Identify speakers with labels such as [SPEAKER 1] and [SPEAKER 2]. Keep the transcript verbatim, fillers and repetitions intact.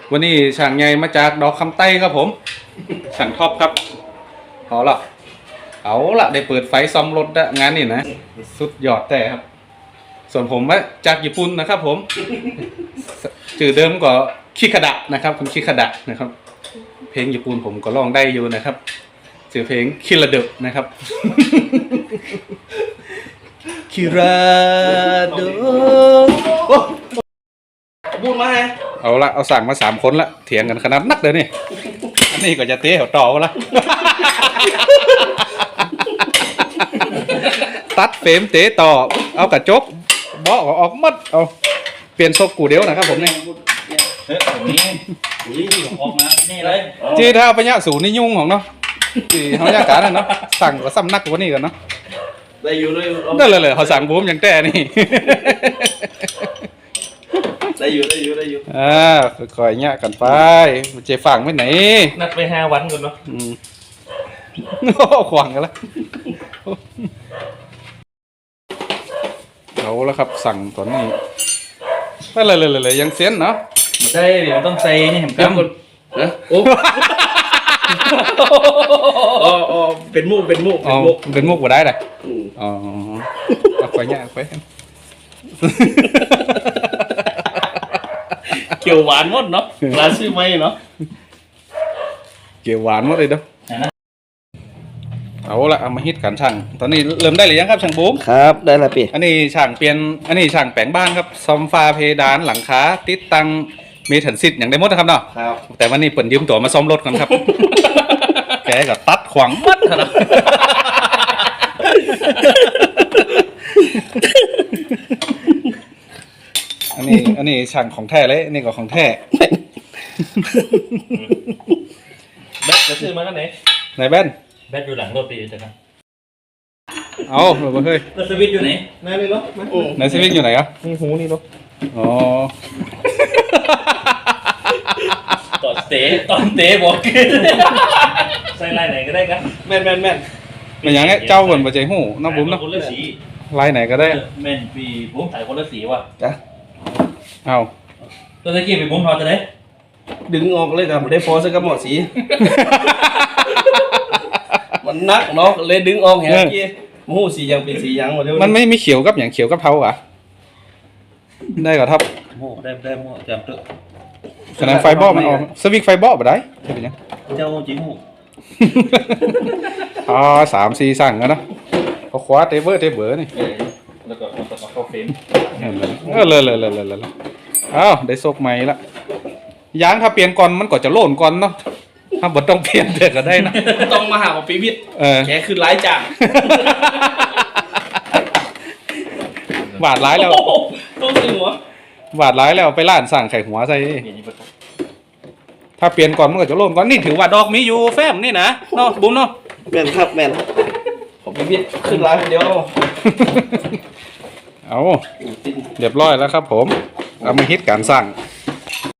[SPEAKER 1] วันนี้ช่างใหญ่มาจากดอกคำใต้ครับผมช่างท็อปครับเอาละเอาละได้เปิดไฟซ่อมรถงานนี่นะสุดยอดแต่ครับส่วนผมมาจากญี่ปุ่นนะครับผมชื่อเดิมก็คิคาดะนะครับคุณคิคาดะนะครับเพลงญี่ปุ่นผมก็ร้องได้อยู่นะครับชื่อเพลงคิราเดะนะครับคิราเดะ
[SPEAKER 2] บูมมาไง
[SPEAKER 1] เอาละเอาสั่งมาสามคนละเถียงกันขนาดนักเลยนี่อันนี้ก็จะเตะต่อละตัดเฟรมเตะต่อเอากระจกเบาะออกมัดเอาเปลี่ยนซกกูเดียวนะครับผมนี่
[SPEAKER 2] เฮ้ยผมนี่อุ้ยออกมานี่เลย
[SPEAKER 1] จีถ้าปัญญาสูนี่ยุ่งของเนาะจีเขาอยากการเนาะสั่งก็ซ้ำนักกว่านี้กันเนาะ
[SPEAKER 2] ได้อยู่เลย
[SPEAKER 1] ได้เลยเลยเขาสั่งบูมอย่างแต่นี่
[SPEAKER 2] ได้อยู่ได้อยู่ได้อยู่
[SPEAKER 1] อ่าค่อยๆเนี่ยกันไปเจฟังไม่ไหน
[SPEAKER 2] นัดไปห้าวันก่อนเนาะ
[SPEAKER 1] อืมโอ้ขวางกันแล้วเอาแล้วครับสั่งตอนนี้ไปเลยเลยเลยยังเสียนเนาะ
[SPEAKER 2] ไม่ได้เดี๋ยวต้องใส่นี่เห็น
[SPEAKER 1] ครับคุณ
[SPEAKER 2] นะโอ้อ๋อเป็นมุกเป็นมุก
[SPEAKER 1] เป็นมุกเป็นมุกบ่ได้เลยอ๋อเอาไปเนี่ยไป
[SPEAKER 2] เกี่ยวหวานหมดเนาะร้านซื้อไหมเนาะ
[SPEAKER 1] เกี่ยวหวานหมดเลยเด้อเอาละเอามาฮิตกันช่างตอนนี้เริ่มได้หรือยังครับช่างบูม
[SPEAKER 2] ครับได้แล้วพี่
[SPEAKER 1] อันนี้ช่างเปลี่ยนอันนี้ช่างแปลงบ้านครับซ่อมฟ้าเพดานหลังคาติดตั้งเมทัลซิตอย่างได้หมดนะครับเนาะ
[SPEAKER 2] ครับ
[SPEAKER 1] แต่วันนี้เปิดยืมตัวมาซ่อมรถกันครับแกก็ตัดขวางมัดครับอันนี้อันนี้ช่างของแท้เลยอันนี้ก็ของแท้
[SPEAKER 2] แบตจะซื้อมาแล้วไหน
[SPEAKER 1] ไหนแบน
[SPEAKER 2] แบตอยู่หลังรถปีจ้ะครับ
[SPEAKER 1] เอาหรือเปล่าเฮ้ย
[SPEAKER 2] แล้วสวิตอยู่ไหนนั่นเลยเนาะ
[SPEAKER 1] ไหนสวิตอยู่ไหนอ่ะ
[SPEAKER 2] นี่หูนี่เนาะ
[SPEAKER 1] อ๋อ
[SPEAKER 2] ตอนเตะตอนเตะบอกใส่ลายไหนก็ได้ครับแม่นแม่นแม่น
[SPEAKER 1] เป็นอย่างงี้เจ้าเหมือนปัจจัยหูน้องบุ๋มเนาะลายไหนก็ได้
[SPEAKER 2] แม่นปีบุ๋มใส่คนละสีว่ะ
[SPEAKER 1] จ้ะเอา
[SPEAKER 2] ตัวตะกี้ปีบุ๋มพอจะได้ดึงออกเลยครับได้พอสักกระหมอสีมันนักเนาะเลยดึงออกแหงกี้มูสียังเป็นสียังหมดเลย
[SPEAKER 1] มันไม่มีเขียวกับอย่างเขียวกับเทาอ่ะได้กับทับ
[SPEAKER 2] โม่ได้ได้โม่จำเถอะ
[SPEAKER 1] ขนาดไฟบอลมันออกสวิกไฟบอลแบบไหนใช่ไหมเนี่ย
[SPEAKER 2] เจ้าจริงหู
[SPEAKER 1] อ๋อสามสี่สั่งกันนะเขาคว้าเทเบอร์เทเบอร์นี่
[SPEAKER 2] แล้วก็มันจะเข้าเฟรม
[SPEAKER 1] เออเลยเลยเลยเลยเลยอ้าวได้โซกใหม่ละยางถ้าเปลี่ยนก่อนมันก็จะโล่นก่อนเนาะถ้าบดต้องเปลี่ยนเด็กก็ได้นะ
[SPEAKER 2] ต้องมาหาของปีวิทย์แกคือร้ายจัง
[SPEAKER 1] บาดร้ายแล้ว
[SPEAKER 2] ต้องซื้อหัว
[SPEAKER 1] บาดร้ายแล้วไปร้านสั่งไข่หัวใส่ถ้าเปลี่ยนก่อนมันก็จะโล่นก่อนนี่ถือว่าดอกมีอยู่แฟมนี่นะเนาะบุ้มเนาะ
[SPEAKER 2] แม่นครับแม่นของปีวิทย์ขึ้นร้ายคนเดียว
[SPEAKER 1] เอาเรียบร้อยแล้วครับผมเอามาฮิตการสั่ง